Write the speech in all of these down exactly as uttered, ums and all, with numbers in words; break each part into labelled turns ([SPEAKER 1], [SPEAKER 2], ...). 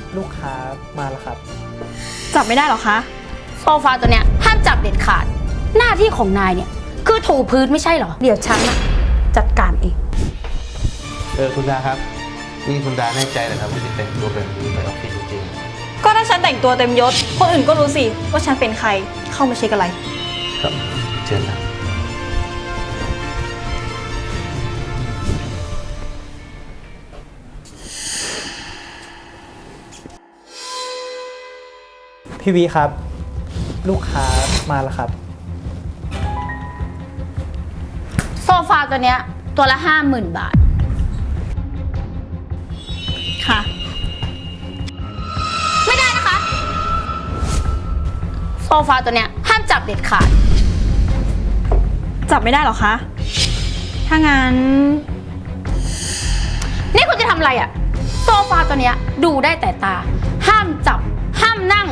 [SPEAKER 1] ลูกค้ามาแล้วครับ
[SPEAKER 2] จับไม่ได้หรอคะ
[SPEAKER 3] โซฟาตัวเนี้ยห้ามจับเด็ดขาดหน้าที่ของนายเนี่ยคือถูพื้นไม่ใช่เหรอเดี๋ยวฉันนะจัดการเอง
[SPEAKER 4] เออคุณดาครับนี่คุณดาแน่ใจเหรอครับว่าจะแต่งตัวแบบนี้ไปออฟฟิศจริง
[SPEAKER 2] ก็ถ้าฉันแต่งตัวเต็มยศคนอื่นก็รู้สิว่าฉันเป็นใครเข้ามาเช็คอะไร
[SPEAKER 4] ๆครับเชิญนะ
[SPEAKER 1] พี่วีครับลูกค้ามาแล้วครับ
[SPEAKER 3] โซฟาตัวเนี้ยตัวละห้าหมื่นบาท
[SPEAKER 2] ค่ะ
[SPEAKER 3] ไม่ได้นะคะโซฟาตัวเนี้ยห้ามจับเด็ดขาด
[SPEAKER 2] จับไม่ได้หรอคะถ้างั้น
[SPEAKER 3] นี่คุณจะทำอะไรอะโซฟาตัวเนี้ยดูได้แต่ตาห้ามจับห้ามนั่ง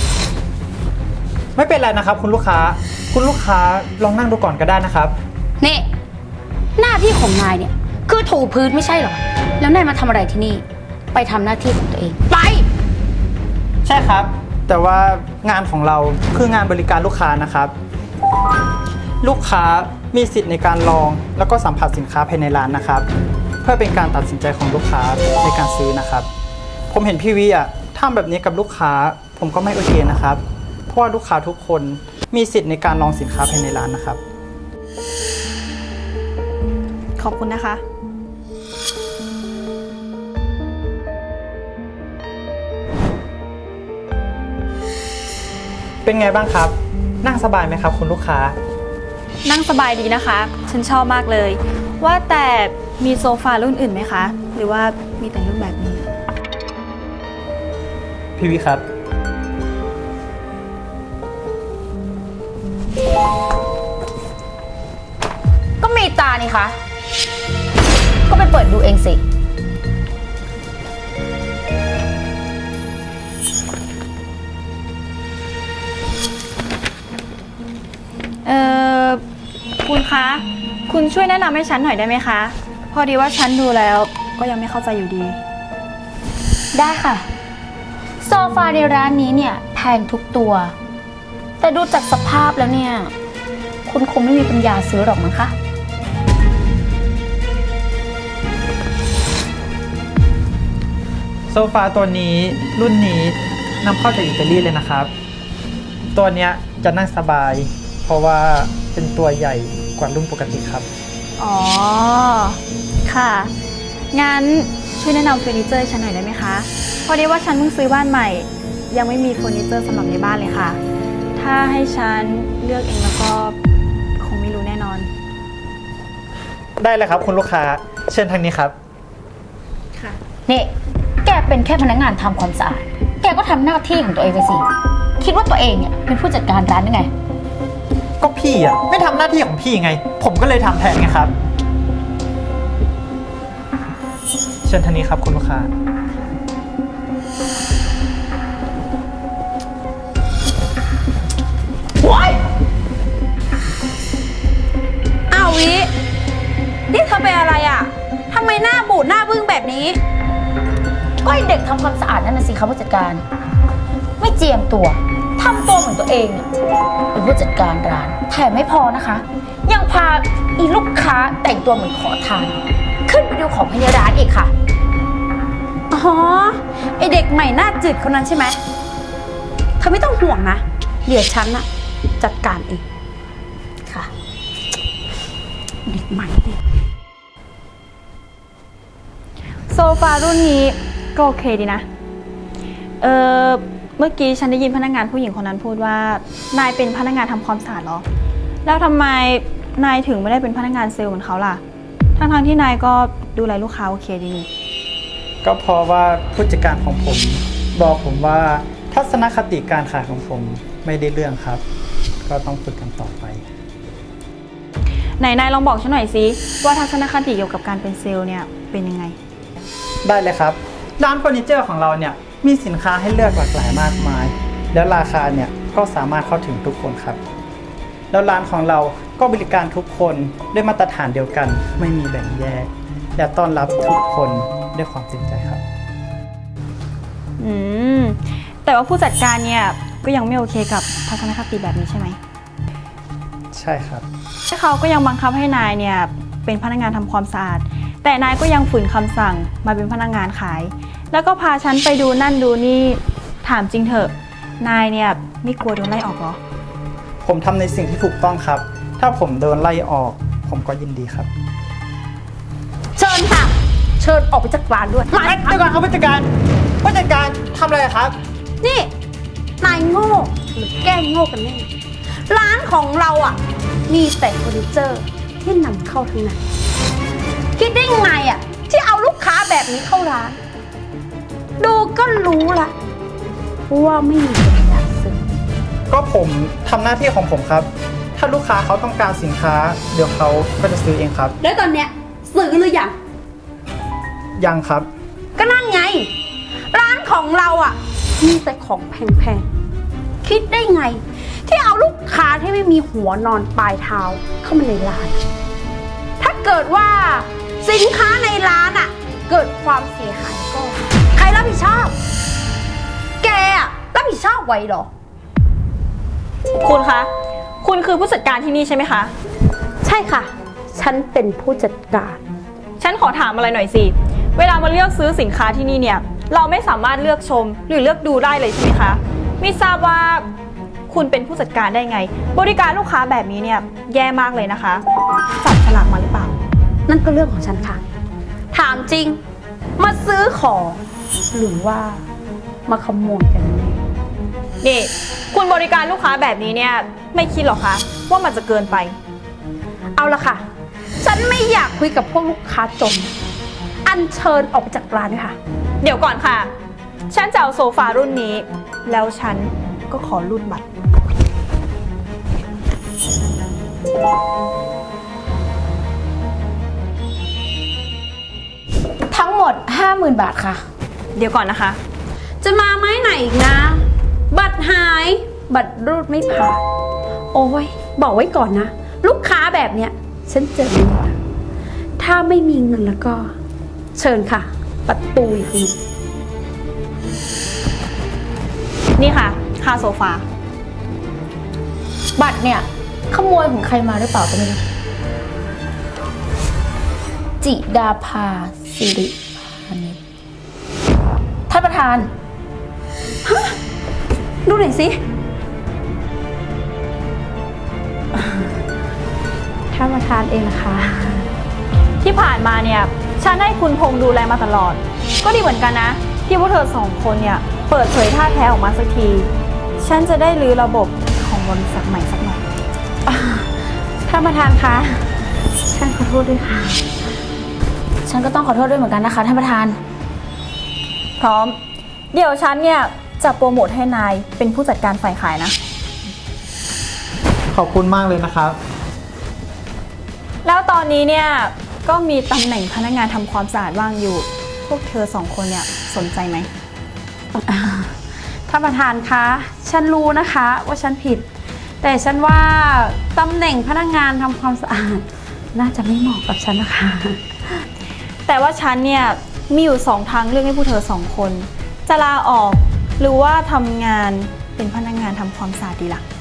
[SPEAKER 1] ไม่เป็นไรนะครับคุณลูกค้าคุณลูกค้าลองนั่งดูก่อนก็ได้นะครับ
[SPEAKER 3] นี่หน้าที่ของนายเนี่ยคือถูพื้นไม่ใช่เหรอแล้วนายมาทำอะไรที่นี่ไปทำหน้าที่ของตัวเองไป
[SPEAKER 1] ใช่ครับแต่ว่างานของเราคืองานบริการลูกค้านะครับลูกค้ามีสิทธิ์ในการลองแล้วก็สัมผัสสินค้าภายในร้านนะครับเพื่อเป็นการตัดสินใจของลูกค้าในการซื้อนะครับผมเห็นพี่วิอ่ะทำแบบนี้กับลูกค้าผมก็ไม่โอเคนะครับเพราะว่าลูกค้าทุกคนมีสิทธิ์ในการลองสินค้าภายในร้านนะครับ
[SPEAKER 2] ขอบคุณนะคะ
[SPEAKER 1] เป็นไงบ้างครับนั่งสบายไหมครับคุณลูกค้า
[SPEAKER 2] นั่งสบายดีนะคะฉันชอบมากเลยว่าแต่มีโซฟารุ่นอื่นไหมคะหรือว่ามีแต่รุ่นแบบนี้
[SPEAKER 1] พี่วิครับ
[SPEAKER 3] ก็มีตานี่คะก็ไปเปิดดูเองสิ
[SPEAKER 2] เอ่อคุณคะคุณช่วยแนะนำให้ฉันหน่อยได้ไหมคะพอดีว่าฉันดูแล้วก็ยังไม่เข้าใจอยู่ดี
[SPEAKER 3] ได้ค่ะโซฟาในร้านนี้เนี่ยแพงทุกตัวแต่ดูจากสภาพแล้วเนี่ยคุณคงไม่มีปัญญาซื้อหรอกมั้งคะ
[SPEAKER 1] โซฟาตัวนี้รุ่นนี้นำเข้าจากอิตาลีเลยนะครับตัวเนี้ยจะนั่งสบายเพราะว่าเป็นตัวใหญ่กว่ารุ่นปกติครับ
[SPEAKER 2] อ๋อค่ะงั้นช่วยแนะนำเฟอร์นิเจอร์ฉันหน่อยได้ไหมคะพอดีว่าฉันเพิ่งซื้อบ้านใหม่ยังไม่มีเฟอร์นิเจอร์สำหรับในบ้านเลยค่ะถ้าให้ฉันเลือกเองแล้วก็คงไม่รู้แน่นอน
[SPEAKER 1] ได้เลยครับคุณลูกค้าเชิญทางนี้ครับ
[SPEAKER 2] ค่ะ
[SPEAKER 3] นี่แกเป็นแค่พนักงานทำความสะอาดแกก็ทำหน้าที่ของตัวเองไปสิคิดว่าตัวเองเนี่ยเป็นผู้จัดการร้านยังไง
[SPEAKER 1] ก็พี่อ่ะไม่ทำหน้าที่ของพี่ไงผมก็เลยทำแทนไงครับเชิญทางนี้ครับคุณลูกค้า
[SPEAKER 3] ว้าย
[SPEAKER 2] อ้าววินี่เธอเป็นอะไรอ่ะทำไมหน้าบูดหน้าบึ้งแบบนี้
[SPEAKER 3] ก็ไอเด็กทำความสะอาดนั่นน่ะสิคะผู้จัดการไม่เจียมตัวทำตัวเหมือนตัวเองเป็นผู้จัดการร้านแถมไม่พอนะคะยังพาอีลูกค้าแต่งตัวเหมือนขอทานขึ้นไปดูของภายในร้านอีกค่ะ
[SPEAKER 2] อ๋อไอเด็กใหม่หน้าจืดคนนั้นใช่ไหมเธอไม่ต้องห่วงนะเดี๋ยวฉันน่ะจัดการเอง
[SPEAKER 3] ค่ะ
[SPEAKER 2] เด็กใหม่ดิโซฟารุ่นนี้ก็โอเคดีนะเออเมื่อกี้ฉันได้ยินพนักงานผู้หญิงคนนั้นพูดว่านายเป็นพนักงานทำความสะอาดเหรอแล้วทำไมนายถึงไม่ได้เป็นพนักงานเซลล์เหมือนเขาล่ะทั้งๆที่นายก็ดูแลลูกค้าโอเคดีนี่
[SPEAKER 1] ก็เพราะว่าผู้จัดการของผมบอกผมว่าทัศนคติการขายของผมไม่ได้เรื่องครับก็ต้องฝึกกันต่อไป
[SPEAKER 2] ไหนนายลองบอกฉันหน่อยสิว่าทัศนคติเกี่ยวกับการเป็นเซลล์เนี่ยเป็นยังไง
[SPEAKER 1] ได้เลยครับร้านเฟอร์นิเจอร์ของเราเนี่ยมีสินค้าให้เลือกหลากหลายมากมายแล้วราคาเนี่ยก็สามารถเข้าถึงทุกคนครับแล้วร้านของเราก็บริการทุกคนด้วยมาตรฐานเดียวกันไม่มีแบ่งแยกและต้อนรับทุกคนด้วยความจริงใจครับ
[SPEAKER 2] อืม แต่ว่าผู้จัดการเนี่ยก็ยังไม่โอเคกับทัศนคติแบบนี้ใช่ไหม
[SPEAKER 1] ใช่ครับ
[SPEAKER 2] เขาก็ยังบังคับให้นายเนี่ยเป็นพนักงานทำความสะอาด แต่นายก็ยังฝืนคำสั่งมาเป็นพนักงานขาย แล้วก็พาฉันไปดูนั่นดูนี่ถามจริงเถอะ นายเนี่ยไม่กลัวโดนไล่ออกเหรอ
[SPEAKER 1] ผมทำในสิ่งที่ถูกต้องครับ ถ้าผมโดนไล่ออก ผมก็ยินดีครับ
[SPEAKER 3] เชิญค่ะ เชิญออกไปจากร้านด้วย
[SPEAKER 1] เอ้ยเดี๋ยวก่อนครับผู้จัดการผู้จัดการทำอะไรครับ
[SPEAKER 3] นี่ นายโง่หรือแกล้งโง่กันแน่ ร้านของเราอ่ะ มีแต่เฟอร์นิเจอร์ที่นำเข้าทั้งนั้น คิดได้ไงอ่ะ ที่เอาลูกค้าแบบนี้เข้าร้าน ดูก็รู้ละว่าไม่มีคนอยากซื้อ
[SPEAKER 1] ก็ผมทำหน้าที่ของผมครับ ถ้าลูกค้าเขาต้องการสินค้า เดี๋ยวเขาก็จะซื้อเองครับ
[SPEAKER 3] แล้วตอนเนี้ยซื้อหรือยัง
[SPEAKER 1] ยังครับ
[SPEAKER 3] ก็นั่นไง ร้านของเราอ่ะ มีแต่ของแพงๆ คิดได้ไง ที่เอาลูกค้าที่ไม่มีหัวนอนปลายเท้าเข้ามาในร้าน ถ้าเกิดว่าสินค้าในร้านอ่ะ เกิดความเสียหายก็ ใครรับผิดชอบ แกอ่ะรับผิดชอบไว้เหรอ
[SPEAKER 2] คุณคะ คุณคือผู้จัดการที่นี่ใช่ไหมคะ
[SPEAKER 3] ใช่ค่ะ ฉันเป็นผู้จัดการ
[SPEAKER 2] ฉันขอถามอะไรหน่อยสิ เวลามาเลือกซื้อสินค้าที่นี่เนี่ย เราไม่สามารถเลือกชมหรือเลือกดูได้เลยใช่ไหมคะ ไม่ทราบว่าคุณเป็นผู้จัดการได้ไง บริการลูกค้าแบบนี้เนี่ยแย่มากเลยนะคะ จับฉลากมาหรือเปล่า
[SPEAKER 3] นั่นก็เรื่องของฉันค่ะ ถามจริง มาซื้อของ หรือว่ามาขโมยกันแน่
[SPEAKER 2] นี่ คุณบริการลูกค้าแบบนี้เนี่ยไม่คิดหรอคะว่ามันจะเกินไป
[SPEAKER 3] เอาละค่ะ ฉันไม่อยากคุยกับพวกลูกค้าจน อัญเชิญออกไปจากร้านด้วยค่ะ
[SPEAKER 2] เดี๋ยวก่อนค่ะ ฉันจะเอาโซฟารุ่นนี้ แล้วฉันก็ขอรูดบัตร
[SPEAKER 3] ทั้งหมด ห้าหมื่น บาทค่ะ
[SPEAKER 2] เดี๋ยวก่อนนะคะ
[SPEAKER 3] จะมาไม้ไหนอีกนะ บัตรหาย บัตรรูดไม่ผ่าน โอ้ย บอกไว้ก่อนนะ ลูกค้าแบบเนี้ย ฉันเจอไม่หมดถ้าไม่มีเงินแล้วก็ เชิญค่ะ ประตูอยู่ตรงนี้
[SPEAKER 2] นี่ค่ะ ค่าโซฟา
[SPEAKER 3] บัตรเนี่ย ขโมยของใครมาหรือเปล่าก็ไม่รู้ จิดาภาสิริพานิชท่านประธาน ฮะ ดูหน่อยสิ ท่านประธานเองนะคะ
[SPEAKER 2] ที่ผ่านมาเนี่ยฉันให้คุณพงษ์ดูแลมาตลอด ก็ดีเหมือนกันนะ ที่พวกเธอสองคนเนี่ยเปิดเผยท่าแท้ออกมาสักที ฉันจะได้รื้อระบบของบริษัทใหม่สักหน่อย
[SPEAKER 3] ท่านประธานคะ ฉันขอโทษด้วยค่ะ ฉันก็ต้องขอโทษด้วยเหมือนกันนะคะท่านประธาน
[SPEAKER 2] พร้อม เดี๋ยวฉันเนี่ยจะโปรโมทให้นายเป็นผู้จัดการฝ่ายขายนะ
[SPEAKER 1] ขอบคุณมากเลยนะครับ
[SPEAKER 2] แล้วตอนนี้เนี่ยก็มีตำแหน่งพนักงานทำความสะอาดว่างอยู่ พวกเธอสองคนเนี่ยสนใจไหม
[SPEAKER 3] ท่านประธานคะ ฉันรู้นะคะว่าฉันผิด แต่ฉันว่าตำแหน่งพนักงานทำความสะอาด น่าจะไม่เหมาะกับฉันนะคะ
[SPEAKER 2] แต่ว่าฉันเนี่ยมีอยู่สองทางเลือกให้พวกเธอสองคน จะลาออกหรือว่าทำงานเป็นพนักงานทำความสะอาดดีล่ะ